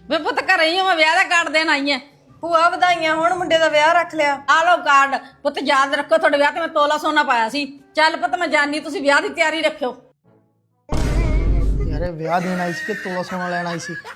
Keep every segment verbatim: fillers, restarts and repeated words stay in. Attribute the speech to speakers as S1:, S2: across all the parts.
S1: ਵੇ ਪੁੱਤ ਘਰੇ ਹੀ ਆ, ਮੈਂ ਵਿਆਹ ਦਾ ਕਾਰਡ ਦੇਣ ਆਈ ਐ।
S2: ਭੂਆ ਵਧਾਈਆਂ, ਹੁਣ ਮੁੰਡੇ ਦਾ ਵਿਆਹ ਰੱਖ ਲਿਆ।
S1: ਆ ਲਓ ਕਾਰਡ। ਪੁੱਤ ਯਾਦ ਰੱਖੋ ਤੁਹਾਡੇ ਵਿਆਹ ਤੇ ਮੈਂ ਤੋਲਾ ਸੋਨਾ ਪਾਇਆ ਸੀ। ਚੱਲ ਪੁੱਤ ਮੈਂ ਜਾਣੀ, ਤੁਸੀਂ ਵਿਆਹ ਦੀ ਤਿਆਰੀ ਰੱਖਿਓ।
S3: ਯਾਰ ਵਿਆਹ ਦੇਣ ਆਈ ਸੀ ਕਿ ਤੋਲਾ ਸੋਨਾ ਲੈਣ ਆਈ ਸੀ?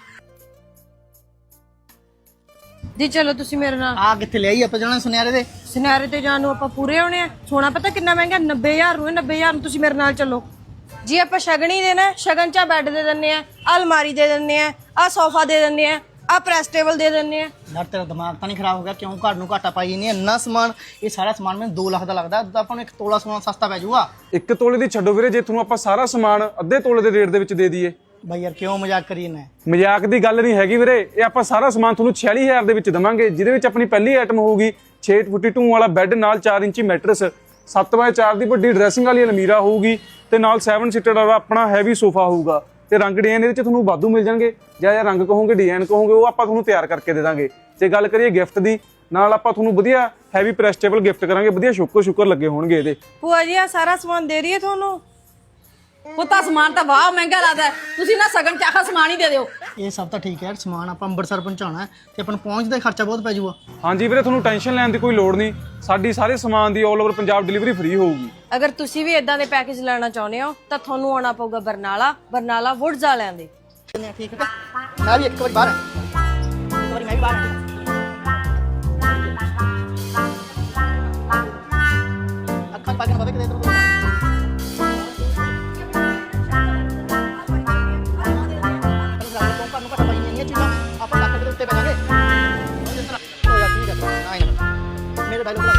S2: ਜੀ ਚਲੋ ਤੁਸੀਂ ਮੇਰੇ ਨਾਲ।
S3: ਆ ਕਿੱਥੇ ਲਿਆਈ ਆਪਾਂ ਜਾਣਾ ਸੁਨਿਆਰੇ ਦੇ?
S2: ਸੁਨਿਆਰੇ ਤੇ ਜਾਣ ਨੂੰ ਆਪਾਂ ਪੂਰੇ ਹੋਣੇ ਆ। ਸੋਨਾ ਪਤਾ ਕਿੰਨਾ ਮਹਿੰਗਾ, ਨੱਬੇ ਹਜ਼ਾਰ ਨੂੰ। ਨੱਬੇ ਹਜ਼ਾਰ ਨੂੰ ਤੁਸੀਂ ਮੇਰੇ ਨਾਲ ਚੱਲੋ ਜੀ। ਆਪਾਂ ਸ਼ਗਨ ਹੀ ਦੇਣਾ। ਸ਼ਗਨ 'ਚ ਆ ਬੈੱਡ ਦੇ ਦਿੰਨੇ ਆ, ਆ ਅਲਮਾਰੀ ਦੇ ਦਿੰਨੇ ਆ, ਆ ਸੋਫਾ ਦੇ ਦਿੰਨੇ ਆ, ਆ ਪ੍ਰੈਸ ਟੇਬਲ ਦੇ ਦਿੰਨੇ ਆ।
S3: ਯਾਰ ਤੇਰਾ ਦਿਮਾਗ ਤਾਂ ਨਹੀਂ ਖਰਾਬ ਹੋ ਗਿਆ? ਕਿਉਂ ਘਰ ਨੂੰ ਘਾਟਾ ਪਾਈ ਨਹੀਂ? ਇੰਨਾ ਸਮਾਨ, ਇਹ ਸਾਰਾ ਸਮਾਨ ਮੈਨੂੰ ਦੋ ਲੱਖ ਦਾ ਲੱਗਦਾ। ਤਾਂ ਆਪਾਂ ਨੂੰ ਇੱਕ ਤੋਲਾ ਸੋਨਾ ਸਸਤਾ ਪੈ ਜਾਊਗਾ।
S4: ਇੱਕ ਤੋਲੇ ਦੀ ਛੱਡੋ ਵੀਰੇ, ਜੇ ਤੁਹਾਨੂੰ ਆਪਾਂ ਸਾਰਾ ਸਮਾਨ ਅੱਧੇ ਤੋਲੇ ਦੇ ਰੇਟ ਦੇ ਵਿੱਚ ਦੇ ਦਈਏ।
S3: ਬਾਈ ਯਾਰ ਕਿਉਂ ਮਜ਼ਾਕ ਕਰੀ ਨਾ?
S4: ਮਜ਼ਾਕ ਦੀ ਗੱਲ ਨਹੀਂ ਹੈਗੀ ਵੀਰੇ, ਇਹ ਆਪਾਂ ਸਾਰਾ ਸਮਾਨ ਤੁਹਾਨੂੰ ਛਿਆਲੀ ਹਜ਼ਾਰ ਦੇ ਵਿੱਚ ਦੇਵਾਂਗੇ, ਜਿਹਦੇ ਵਿੱਚ ਆਪਣੀ ਪਹਿਲੀ ਆਈਟਮ ਹੋਊਗੀ ਛੇ ਫੁੱਟੀ ਟੂ ਵਾਲਾ ਬੈੱਡ ਨਾਲ ਚਾਰ ਇੰਚੀ ਮੈਟਰਸ, ਸੱਤ ਬਾਏ ਚਾਰ ਦੀ ਵੱਡੀ ਡਰੈਸਿੰਗ ਵਾਲੀ ਅਲਮੀਰਾ ਹੋਊਗੀ ਤੇ ਨਾਲ ਸੈਵਨ ਸੀਟਰ ਵਾਲਾ ਆਪਣਾ ਹੈਵੀ ਸੋਫਾ ਹੋਊਗਾ ਤੇ ਰੰਗ ਡਿਜ਼ਾਈਨ ਇਹਦੇ ਵਿੱਚ ਤੁਹਾਨੂੰ ਵਾਧੂ ਮਿਲ ਜਾਣਗੇ। ਜਾਂ ਜਾਂ ਰੰਗ ਕਹੋਗੇ, ਡਿਜ਼ਾਈਨ ਕਹੋਗੇ, ਉਹ ਆਪਾਂ ਤੁਹਾਨੂੰ ਤਿਆਰ ਕਰਕੇ ਦੇ ਦਾਂਗੇ। ਜੇ ਗੱਲ ਕਰੀਏ ਗਿਫਟ ਦੀ, ਨਾਲ ਆਪਾਂ ਤੁਹਾਨੂੰ ਵਧੀਆ ਹੈਵੀ ਪ੍ਰੈਸਟੇਬਲ ਗਿਫਟ ਕਰਾਂਗੇ। ਵਧੀਆ ਸ਼ੁਕਰ ਸ਼ੁਕਰ ਲੱਗੇ ਹੋਣਗੇ ਇਹਦੇ।
S2: ਭੂਆ ਜੀ ਆ ਸਾਰਾ ਸਮਾਨ ਦੇ ਰਹੀ ਹੈ ਤੁਹਾਨੂੰ।
S1: ਪੁੱਤਾ ਸਮਾਨ ਤਾਂ ਵਾਹ ਮਹਿੰਗਾ ਲੱਗਦਾ, ਤੁਸੀਂ ਨਾ ਸਗਨ ਚ ਆਖਾ ਸਮਾਨ ਹੀ ਦੇ ਦਿਓ।
S3: ਇਹ ਸਭ ਤਾਂ ਠੀਕ ਹੈ, ਸਮਾਨ ਆਪਾਂ ਅੰਮ੍ਰਿਤਸਰ ਪਹੁੰਚਾਉਣਾ ਤੇ ਆਪਾਂ ਨੂੰ ਪਹੁੰਚਦਾ ਖਰਚਾ ਬਹੁਤ ਪੈ ਜਾਊਗਾ।
S4: ਹਾਂਜੀ ਵੀਰੇ, ਤੁਹਾਨੂੰ ਟੈਨਸ਼ਨ ਲੈਣ ਦੀ ਕੋਈ ਲੋੜ ਨਹੀਂ। ਸਾਡੀ ਸਾਰੇ ਸਮਾਨ ਦੀ all over Punjab delivery free ਹੋਊਗੀ।
S2: ਅਗਰ ਤੁਸੀਂ ਵੀ ਇਦਾਂ ਦੇ ਪੈਕੇਜ ਲੈਣਾ ਚਾਹੁੰਦੇ ਹੋ ਤਾਂ ਤੁਹਾਨੂੰ ਆਉਣਾ ਪਊਗਾ ਬਰਨਾਲਾ। ਬਰਨਾਲਾ ਵੁੱਡਜ਼ ਵਾਲਿਆਂ ਦੇ।
S3: ਠੀਕ ਹੈ, ਮੈਂ ਵੀ ਇੱਕ ਵਾਰੀ ਬਾਹਰ ਇੱਕ ਵਾਰੀ ਮੈਂ ਵੀ ਬਾਹਰ ਅੱਖਾਂ ਪਾ ਕੇ ਨਾ ਪਤਾ ਕਿਤੇ ਇਧਰ ਆਪਾਂ ਲੱਖ ਦੇ ਉੱਤੇ ਪੈ ਜਾਗੇ। ਮੇਰੇ ਡਾਇਲੋਗ